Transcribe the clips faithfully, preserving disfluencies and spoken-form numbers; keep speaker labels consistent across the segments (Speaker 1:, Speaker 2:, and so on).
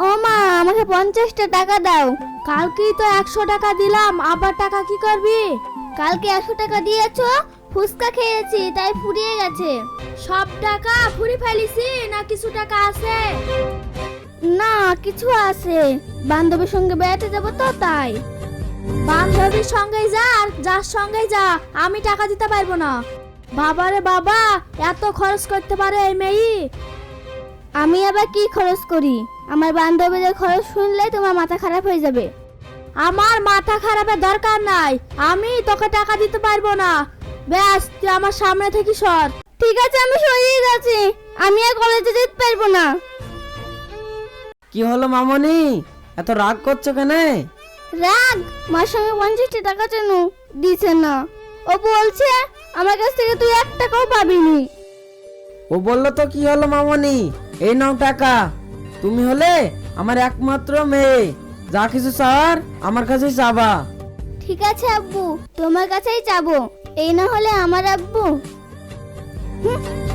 Speaker 1: ও মা, আমাকে পঞ্চাশটা টাকা দাও। কালকেই তো একশো টাকা দিলাম, আবার টাকা কি করবি? কালকে একশো টাকা দিয়েছো, ফুচকা খেয়েছি তাই ফুরিয়ে গেছে। সব টাকা ফুরি ফেলিছি না কিছু টাকা আছে? না, কিছু আছে। বান্ধবীর সঙ্গে বেড়াতে যাবো তো তাই। বান্ধবীর সঙ্গে যা আর যার সঙ্গে যা, আমি টাকা দিতে পারবো না। বাবারে বাবা, এত খরচ করতে পারে এই মেয়ে? আমি আবার কি খরচ করি? আমার বান্ধবীদের খরচ শুনলে তোমার মাথা খারাপ হয়ে যাবে। আমার মাথা খারাপের দরকার নাই, আমি তোকে টাকা দিতে পারবো না। ব্যাস, তুই আমার সামনে থেকে সর। ঠিক আছে, আমি সরিয়ে যাচ্ছি। আমি আর কলেজে যেতে পারবো না।
Speaker 2: কি হলো মামনি, এত রাগ করছো কেন?
Speaker 1: রাগ? মার সঙ্গে পঞ্চাশটা টাকা চেন, দিছে না। ও বলছে আমার কাছ থেকে তুই এক টাকাও পাবিনি।
Speaker 2: ও বললো তো কি হলো মামনি, এই নাও টাকা। তুমি হলে আমার একমাত্র মেয়ে, যা কিছু চাওয়ার আমার কাছে চাবা।
Speaker 1: ঠিক আছে আব্বু, তোমার কাছেই যাবো। এই না হলে আমার আব্বু। হুম।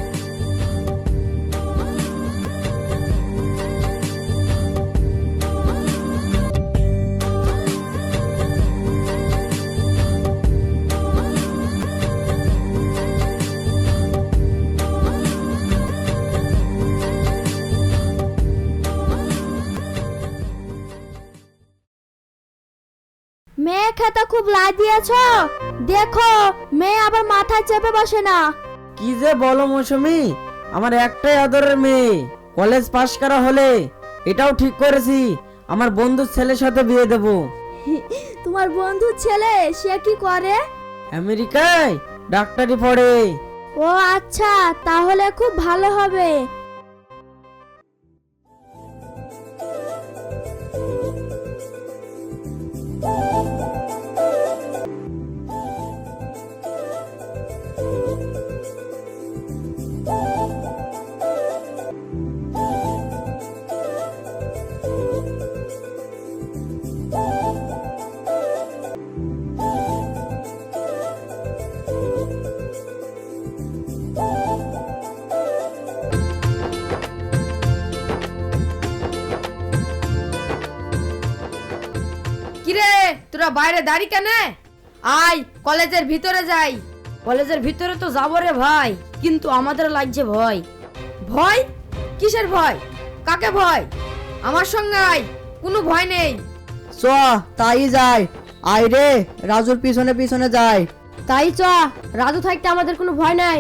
Speaker 1: মেয়ে খেতে খুব লাই দিয়েছ, দেখো মেয়ে আবার মাথায় চেপে বসে না।
Speaker 2: কি যে বলো মৌসুমি, আমার একটাই আদরের মেয়ে। কলেজ পাশ করা হলে এটাও ঠিক করেছি আমার বন্ধুর ছেলের সাথে বিয়ে দেব।
Speaker 1: তোমার বন্ধুর ছেলে, সে কি করে?
Speaker 2: আমেরিকায় ডাক্তারি পড়ে।
Speaker 1: ও আচ্ছা, তাহলে খুব ভালো হবে।
Speaker 3: কিরে, তোরা বাইরে দাঁড়ি কেন? আয় কলেজের ভিতরে যাই। কলেজের ভিতরে তো যাবো রে ভাই, কিন্তু আমাদের লাগছে ভয়। ভয়? কিসের ভয়? কাকে ভয়? আমার সঙ্গে আয়, কোনো ভয় নেই।
Speaker 2: চ তাই যায়। আয় রে, রাজুর পিছনে পিছনে যায়।
Speaker 3: তাই চ, রাজু থাকতে আমাদের কোনো ভয় নাই।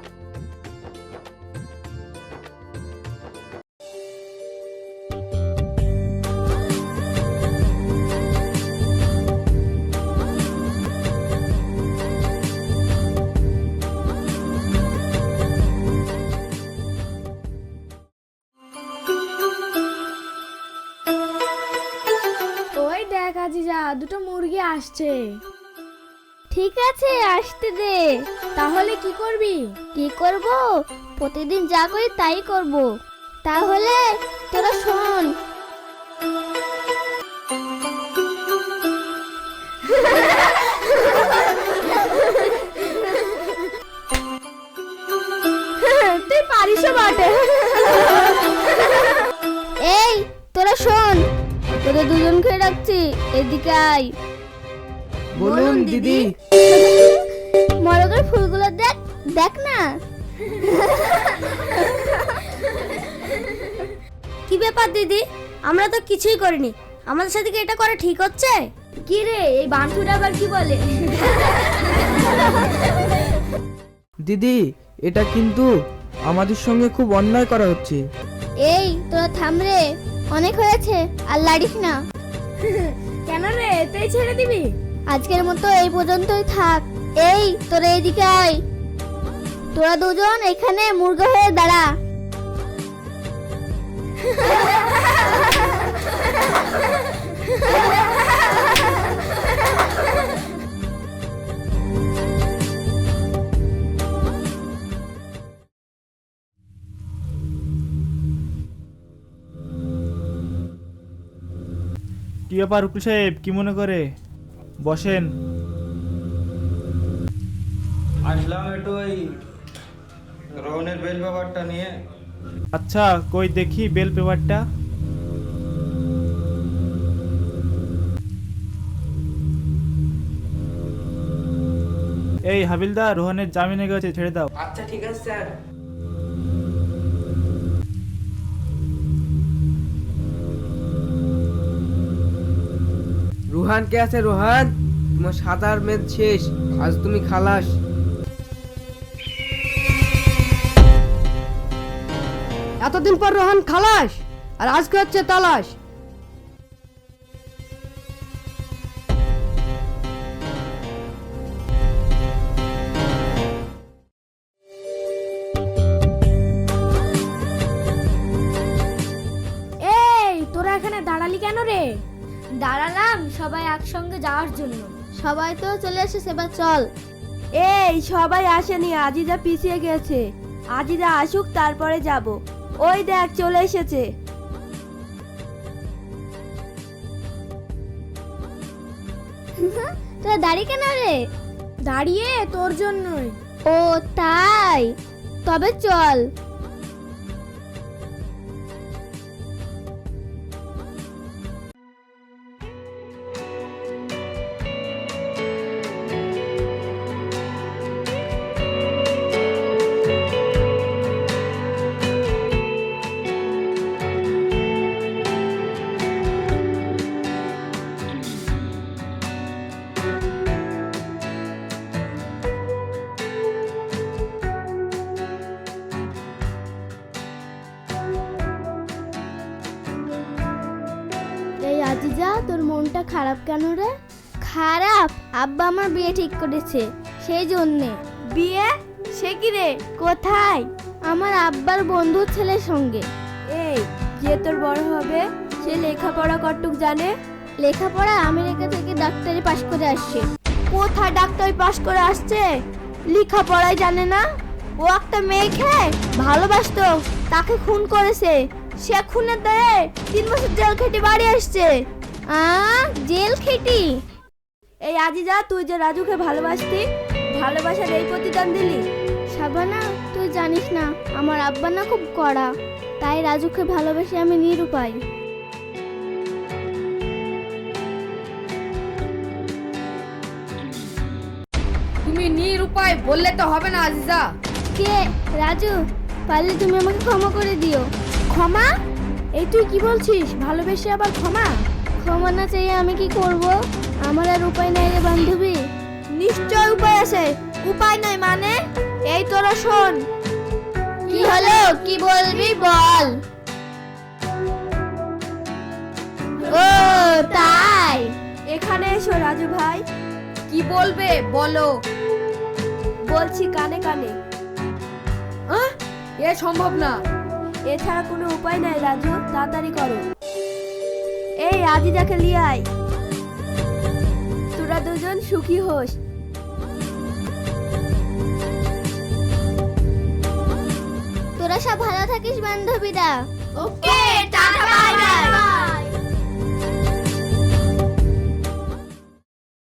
Speaker 1: ওই দেখ আজিজা, দুটো মুরগি আসছে। ঠিক আছে, আসতে দে। তাহলে কি করবি? কি করব? প্রতিদিন যা করি তাই করব। তাহলে তোরা শোন। তুই পারিস বটে। এই তোরা শোন, তোদের দুজনকে রাখছি, এদিকে আয়।
Speaker 2: বলুন দিদি।
Speaker 1: মরগের ফুলগুলো দেখ, দেখ না। কি ব্যাপার দিদি, আমরা তো কিছুই করিনি, আমাদের সাথে কি এটা করা ঠিক হচ্ছে? কি রে, এই বান্টুটা আবার কি বলে?
Speaker 4: দিদি, এটা কিন্তু আমাদের সঙ্গে খুব অন্যায় করা হচ্ছে।
Speaker 1: এই তোরা থাম রে, অনেক হয়েছে, আর লাড়িস না। কেন রে, তুই ছেড়ে দিবি? আজকের মতো এই পর্যন্তই থাক। এই তোরা এদিকে আয়। তোরা দুজন এখানে মুরগা হয়ে দাঁড়া।
Speaker 5: কি ব্যাপার উকিল সাহেব, কি মনে করে? বসেন।
Speaker 6: আসলাম একটু ওই রোহনের বেল ব্যাপারটা নিয়ে।
Speaker 5: আচ্ছা, কই দেখি বেল পেপারটা। এই হাবিলদার, রোহানের জামিনে গেছে, ছেড়ে দাও।
Speaker 4: আচ্ছা ঠিক আছে স্যার। রোহান কে আছে? রোহান, তোমার সাঁতার মেদ শেষ, আজ তুমি খালাস।
Speaker 3: এতদিন পর রোহন খালাস, আর আজকে হচ্ছে তালাশ।
Speaker 1: এই তোরা এখানে দাঁড়ালি কেন রে? দাঁড়ালাম সবাই একসঙ্গে যাওয়ার জন্য। সবাই তো চলে এসেছে, এবার চল।
Speaker 7: এই সবাই আসেনি, আজিজা পিছিয়ে গেছে। আজিজা আসুক তারপরে যাব। ওই দেখ চলে এসেছে।
Speaker 1: তোরা দাঁড়িয়ে কেন রে? দাঁড়িয়ে তোর জন্যই। ও তাই, তবে চল। এই আজিজা, তোর মনটা খারাপ কেন রে? খারাপ? আব্বা আমার বিয়ে ঠিক করেছে, সেই জন্যে।
Speaker 7: বিয়ে? সে কি রে? কোথায়?
Speaker 1: আমার আব্বার বন্ধুর ছেলের সঙ্গে।
Speaker 7: এই যে তোর বড় হবে, সে লেখাপড়া কতটুক জানে?
Speaker 1: লেখাপড়া আমেরিকা থেকে ডাক্তারি পাশ করে আসছে।
Speaker 7: কোথায় ডাক্তারি পাশ করে আসছে? লেখাপড়াই জানে না। ও একটা মেয়েকে ভালোবাসতো, তাকে খুন করেছে। সে খুনের দায়ে তিন বছর জেল খেটে বাড়ি আসছে।
Speaker 1: আ জেল খেটি?
Speaker 7: এই আজিজা, তুই যে রাজুকে ভালোবাসতি, ভালোবাসার এই প্রতিদান দিলি?
Speaker 1: শাবানা, তুই জানিস না আমার আব্বা না খুব কড়া, তাই রাজুকে ভালোবেসে আমি নিরুপায়।
Speaker 3: তুমি নিরুপায় বললে তো হবে না আজিজা।
Speaker 1: কে? রাজু, পারলে তুমি আমাকে ক্ষমা করে দিও। ক্ষমা? এই তুই কি বলছিস? ভালোবেসে আবার ক্ষমা? ক্ষমা না চাইয়ে আমি কি করব? আমার আর উপায় নাই রে বান্ধবী।
Speaker 7: নিশ্চয় উপায় আছে। উপায় নাই মানে? এই তোরা শোন।
Speaker 1: কি হলো? কি বলবি বল। ও তাই,
Speaker 7: এখানে এসো রাজু ভাই।
Speaker 3: কি বলবে বলো।
Speaker 7: বলছি কানে কানে।
Speaker 3: আহ, এ সম্ভব না।
Speaker 7: এছাড়া কোনো উপায় নাই রাজু, তাড়াতাড়ি করো। এই আজিজাকে লিয়ে আয়। তোরা দুজন সুখী হোস।
Speaker 1: তোরা সব ভালো থাকিস বান্ধবীরা।
Speaker 7: Okay, tata bye by.